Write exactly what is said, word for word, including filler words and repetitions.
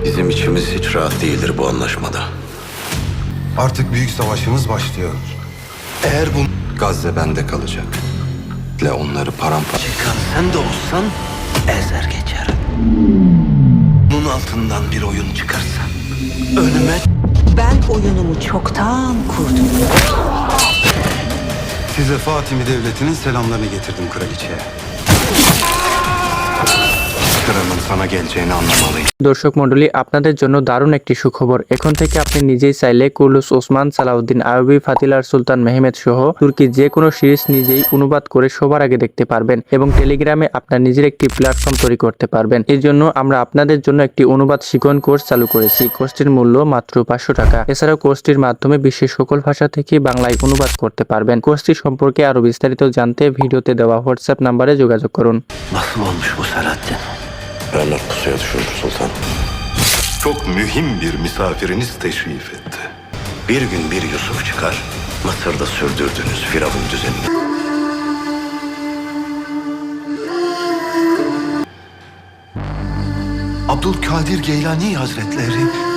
Bizim içimiz hiç rahat değildir bu anlaşmada. Artık büyük savaşımız başlıyor. Eğer bu Gazze bende kalacak. Ve onları paramparça... Çıkan sen de olsan ezer geçer. Bunun altından bir oyun çıkarsan önüme... Ben oyunumu çoktan kurdum. size Fatimi Devleti'nin selamlarını getirdim kraliçeye. Sıranın sana geleceğini anlamalıyım. দর্শক মণ্ডলী, আপনাদের জন্য দারুণ একটি সুখবর। এখন থেকে আপনি নিজেই চাইলে কুর্লুস ওসমান সালাউদ্দিন আইয়ুবী, ফাতিলার সুলতান মেহমেদ সহ তুর্কি যে কোনো সিরিজ নিজেই অনুবাদ করে সবার আগে দেখতে পারবেন এবং টেলিগ্রামে আপনার নিজের একটি প্ল্যাটফর্ম তৈরি করতে পারবেন। এর জন্য আমরা আপনাদের জন্য একটি অনুবাদ শিখন কোর্স চালু করেছি। কোর্সটির মূল্য মাত্র পাঁচশো টাকা। এছাড়াও কোর্সটির মাধ্যমে বিশ্বের সকল ভাষা থেকে বাংলায় অনুবাদ করতে পারবেন। কোর্সটি সম্পর্কে আরো বিস্তারিত জানতে ভিডিওতে দেওয়া হোয়াটসঅ্যাপ নাম্বারে যোগাযোগ করুন। Nasıl olmuş bu Selahattin? Bernard pusuya düşürdü sultan. Çok mühim bir misafiriniz teşrif etti. Bir gün bir Yusuf çıkar, Mısır'da sürdürdüğünüz Firavun düzenini. Abdülkadir Geylani Hazretleri